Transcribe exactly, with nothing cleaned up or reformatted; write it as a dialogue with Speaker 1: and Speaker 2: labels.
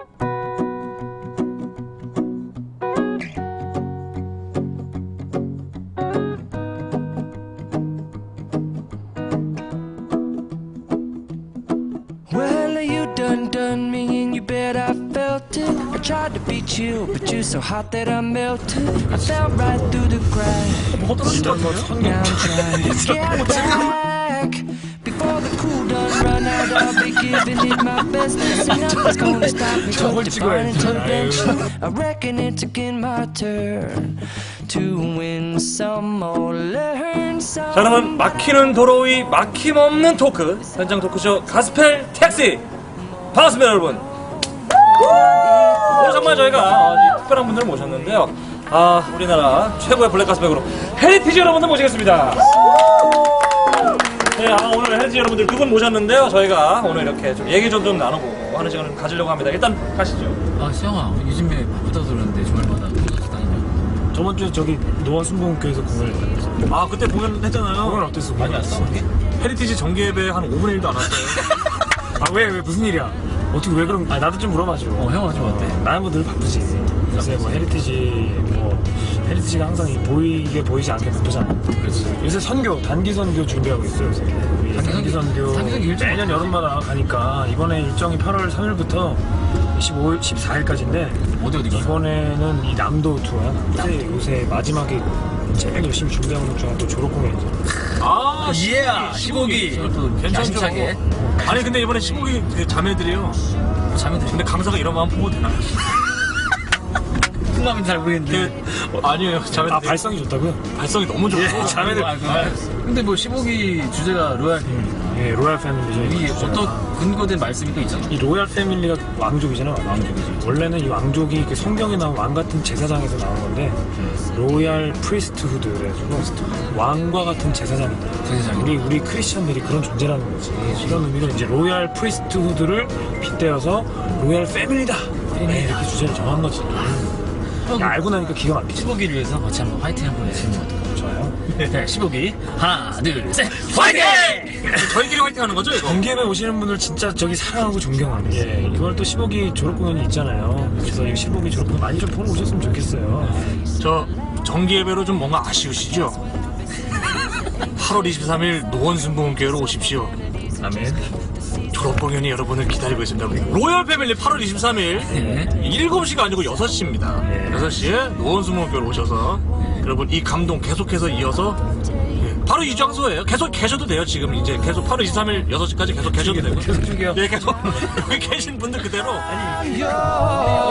Speaker 1: Tried to be chill, but you're so hot that I melted. I fell right through the cracks. Now I'm trying to get back. Before the cool done run out, I'll be giving it my best. And nothing's gonna stop me from divine intervention. I reckon it's again my turn to win some or learn some.
Speaker 2: 자, 그러면 막히는 도로 위 막힘없는 토크 현장 토크쇼 가스펠 택시 반갑습니다, 여러분. 오늘 정말 저희가 어, 특별한 분들을 모셨는데요. 아, 우리나라 최고의 블랙 가스백으로 헤리티지 여러분들 모시겠습니다. 네, 아, 오늘 헤리티지 여러분들 두 분 모셨는데요. 저희가 오늘 이렇게 좀 얘기 좀, 좀 나누고 하는 시간을 가지려고 합니다. 일단 가시죠.
Speaker 3: 아, 시영아, 요즘에 바쁘다고 들었는데 주말마다 콘서트 다니냐?
Speaker 4: 저번 주에 저기 노원 순복음교회에서 공연을 했어요.
Speaker 5: 아, 그때 공연했잖아요.
Speaker 4: 공연 어땠어?
Speaker 3: 많이 왔어?
Speaker 5: 헤리티지 정기 예배 한 오분의 일도 안 왔어요.
Speaker 4: 아, 왜, 왜, 무슨 일이야? 어떻게, 왜 그런, 아, 나도 좀 물어봐줘.
Speaker 3: 어, 형은 좀 어때?
Speaker 4: 나는 뭐 늘 바쁘지. 요새 뭐 헤리티지, 뭐, 헤리티지가 항상 이 보이게 보이지 않게 바쁘잖아.
Speaker 3: 그렇지.
Speaker 4: 요새 선교, 단기 선교 준비하고 있어요, 요새. 우리
Speaker 3: 단기
Speaker 4: 단기 선교.
Speaker 3: 단기 선교 일정
Speaker 4: 매년 여름마다 가니까 이번에 일정이 팔월 삼일부터 십오일, 십사일까지인데.
Speaker 3: 어디 어디 가?
Speaker 4: 이번에는 이 남도 투어야. 요새, 요새 마지막에 제일 열심히 준비하고 있는 중에 또 졸업 공연이죠.
Speaker 5: 아,
Speaker 3: 이해야! 십오기! 또
Speaker 5: 괜찮죠?
Speaker 3: 야심차게.
Speaker 5: 아니, 근데 이번에 십오기 그 자매들이요.
Speaker 3: 자매들.
Speaker 5: 근데 강사가 이런 마음 보고 되나?
Speaker 3: 무슨 마음인지 잘 모르겠는데.
Speaker 5: 그, 어, 아니에요, 자매들.
Speaker 4: 아, 발성이 좋다고요?
Speaker 5: 발성이 너무 좋고.
Speaker 4: 예, 자매들.
Speaker 3: 아, 아, 근데 뭐 십오기 주제가 로얄 패밀리잖아.
Speaker 4: 예, 로얄 패밀리죠.
Speaker 3: 이게 어떤 근거된 말씀이 또 있잖아.
Speaker 4: 이 로얄 패밀리가 왕족이잖아. 왕족이지. 원래는 이 왕족이 그 성경에 나온 왕 같은 제사장에서 나온 건데 로얄 프리스트후드 그래가지고 왕과 같은 제사장이다.
Speaker 3: 제사장.
Speaker 4: 우리 우리 크리스천들이 그런 존재라는 거지. 이런 의미로 이제 로얄 프리스트후드를 빗대어서 로얄 패밀리다. 네, 이렇게 주제를 정한 거지. 야, 알고 나니까 기가 막히지.
Speaker 3: 십오기를 위해서 같이 한번 화이팅 한번 해주시면 어떨까요?
Speaker 4: 좋아요.
Speaker 3: 네, 십오기 하나, 둘, 셋, 화이팅!
Speaker 5: 저희끼리 화이팅 하는 거죠, 이거?
Speaker 4: 공개에 오시는 분들 진짜 저기 사랑하고 존경합니다. 예, 이월 또 십오기 졸업 공연이 있잖아요. 그래서 이 십오기 졸업 공연 많이 좀 보러 오셨으면 좋겠어요.
Speaker 5: 저 정기 예배로 좀 뭔가 아쉬우시죠? 팔월 이십삼일 노원 순복음교회로 오십시오.
Speaker 3: 아멘.
Speaker 5: 졸업 공연이 여러분을 기다리고 있습니다. 우리 로얄 패밀리 팔월 이십삼일
Speaker 3: 네.
Speaker 5: 일곱 시가 아니고 여섯 시입니다.
Speaker 4: 네.
Speaker 5: 여섯 시에 노원 순복음교회로 오셔서 여러분 이 감동 계속해서 이어서 예, 바로 이 장소예요. 계속 계셔도 돼요. 지금 이제 계속 팔월 이십삼일 여섯 시까지 계속 계셔도 되고
Speaker 3: 계속 죽여.
Speaker 5: 예, 계속 여기 계신 분들 그대로
Speaker 1: You're